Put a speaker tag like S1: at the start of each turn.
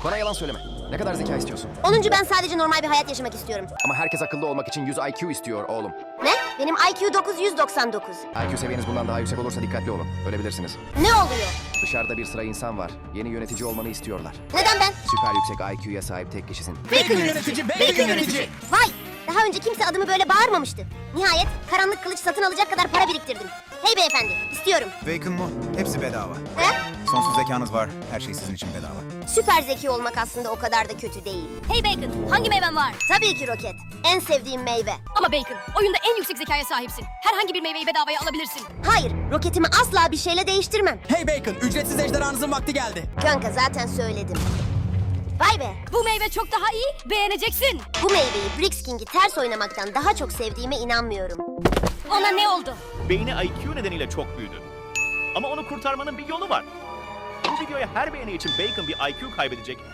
S1: Bana yalan söyleme. Ne kadar zeka istiyorsun?
S2: 10. Ben sadece normal bir hayat yaşamak istiyorum.
S1: Ama herkes akıllı olmak için 100 IQ istiyor oğlum.
S2: Ne? Benim IQ 999.
S1: IQ seviyeniz bundan daha yüksek olursa dikkatli olun. Ölebilirsiniz.
S2: Ne oluyor?
S1: Dışarıda bir sıra insan var. Yeni yönetici olmanı istiyorlar.
S2: Neden ben?
S1: Süper yüksek IQ'ya sahip tek kişisin.
S3: Bacon yönetici, bacon yönetici.
S2: Vay! Daha önce kimse adımı böyle bağırmamıştı. Nihayet karanlık kılıç satın alacak kadar para biriktirdim. Hey beyefendi, istiyorum.
S4: Bacon mu? Hepsi bedava.
S2: He?
S4: Sonsuz zekanız var. Her şey sizin için bedava.
S2: Süper zeki olmak aslında o kadar da kötü değil.
S5: Hey Bacon, hangi meyven var?
S2: Tabii ki roket. En sevdiğim meyve.
S5: Ama Bacon, oyunda en yüksek zekaya sahipsin. Herhangi bir meyveyi bedavaya alabilirsin.
S2: Hayır, roketimi asla bir şeyle değiştirmem.
S3: Hey Bacon, ücretsiz ejderhanızın vakti geldi.
S2: Kanka zaten söyledim. Vay be!
S5: Bu meyve çok daha iyi, beğeneceksin.
S2: Bu meyveyi Brix King'i ters oynamaktan daha çok sevdiğime inanmıyorum.
S5: Ona ne oldu?
S6: Beyni IQ nedeniyle çok büyüdü. Ama onu kurtarmanın bir yolu var. Bu videoya her beğeni için Bacon bir IQ kaybedecek